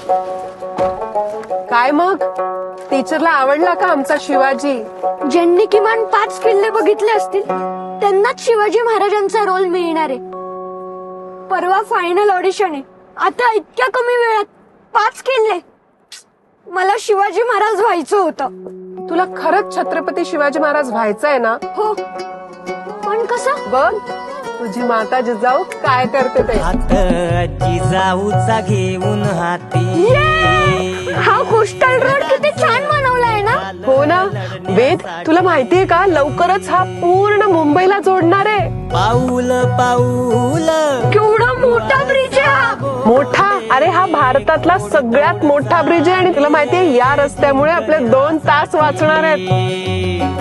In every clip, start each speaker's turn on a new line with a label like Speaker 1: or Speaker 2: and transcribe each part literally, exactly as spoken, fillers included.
Speaker 1: काय मग टीचरला आवडला का आमचा शिवाजी?
Speaker 2: ज्यांनी किमान पाच किल्ले बघितले असतील त्यांनाच शिवाजी महाराजांचा रोल मिळणार आहे. परवा फायनल ऑडिशन आहे. आता इतक्या कमी वेळात पाच किल्ले. मला शिवाजी महाराज व्हायचं होतं.
Speaker 1: तुला खरंच छत्रपती शिवाजी महाराज व्हायचंय ना?
Speaker 2: हो, पण कसं?
Speaker 1: बघ तुझी माता जिजाऊ काय करते ते.
Speaker 3: जिजाऊचा घेऊन हाती.
Speaker 2: हा कोस्टल रोड किती छान बनवलाय ना.
Speaker 1: हो ना वेद, तुला माहितीये का लवकरच हा पूर्ण मुंबईला जोडणार आहे.
Speaker 3: पाऊल पाऊल
Speaker 2: केवढा मोठा ब्रिज आहे हा.
Speaker 1: मोठा? अरे हा भारतातला सगळ्यात मोठा ब्रिज आहे. आणि तुला माहितीये या रस्त्यामुळे आपले दोन तास वाचणार आहेत.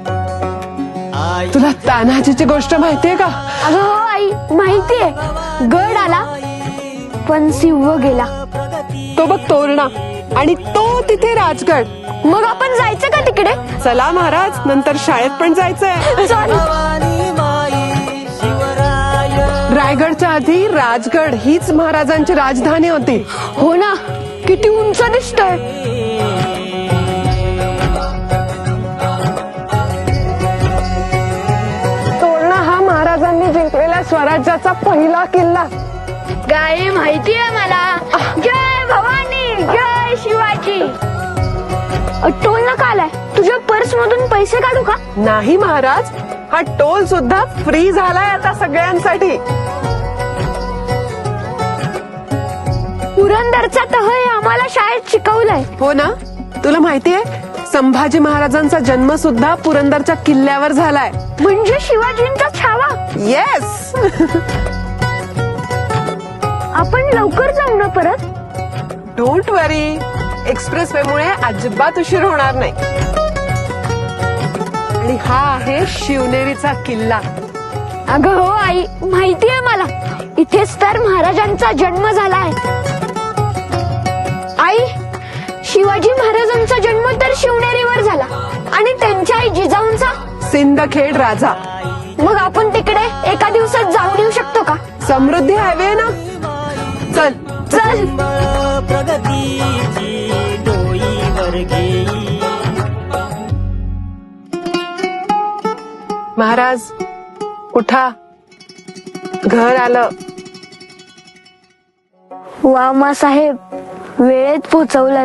Speaker 1: तुला तान्हाजीची गोष्ट माहितीये का?
Speaker 2: अगं हो आई, माहितीये. गड आला पण सिंह गेला.
Speaker 1: तो बघ तोरणा आणि तो तिथे राजगड.
Speaker 2: मग आपण जायचं का तिकडे?
Speaker 1: चला महाराज, नंतर शाळेत पण जायचंय.
Speaker 2: चल.
Speaker 1: रायगडच्या आधी राजगड हीच महाराजांची राजधानी होती.
Speaker 2: हो ना, किती उंच दिसतोय.
Speaker 1: तोरणा हा महाराजांनी जिंकलेल्या स्वराज्याचा पहिला किल्ला.
Speaker 2: काय माहितीये मला. जय भवानी, जय शिवाजी. टोल नका आलाय. तुझ्या पर्स मधून पैसे काढू का?
Speaker 1: नाही महाराज, हा टोल सुद्धा फ्री झालाय आता सगळ्यांसाठी.
Speaker 2: पुरंदरचा तह हे आम्हाला शाळेत शिकवलंय.
Speaker 1: हो ना, तुला माहितीये संभाजी महाराजांचा जन्म सुद्धा पुरंदरच्या किल्ल्यावर झालाय.
Speaker 2: म्हणजे शिवाजींचा छावा.
Speaker 1: येस.
Speaker 2: आपण लवकर जाऊ ना परत.
Speaker 1: डोंट वरी, एक्सप्रेस वे मुळे अजिबात उशीर होणार नाही. आणि हा आहे शिवनेरीचा किल्ला.
Speaker 2: अगं हो आई, माहितीये मला. इथेच तर महाराजांचा जन्म झालाय. आई, शिवाजी महाराजांचा जन्म तर शिवनेरीवर झाला आणि त्यांच्या आई जिजाऊंचा
Speaker 1: सिंदखेड राजा.
Speaker 2: मग आपण तिकडे एका दिवसात जाऊन येऊ शकतो का?
Speaker 1: समृद्धी हायवे ना. चल
Speaker 2: चल.
Speaker 3: प्रगतीची डोईवर घेई.
Speaker 1: महाराज उठा, घर आलं.
Speaker 2: वा मा साहेब, वेळेत पोचवलं.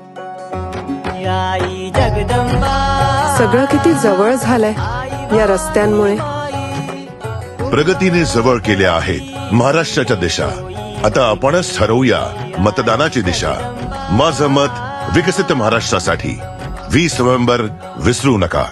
Speaker 3: आई जगदंबा.
Speaker 1: सगळं किती जवळ झालंय या रस्त्यांमुळे.
Speaker 4: प्रगतीने जवळ केल्या आहेत महाराष्ट्राच्या दिशा. आता आपणच ठरवूया मतदानाची दिशा. माझं मत विकसित महाराष्ट्रासाठी. वीस नोव्हेंबर विसरू नका.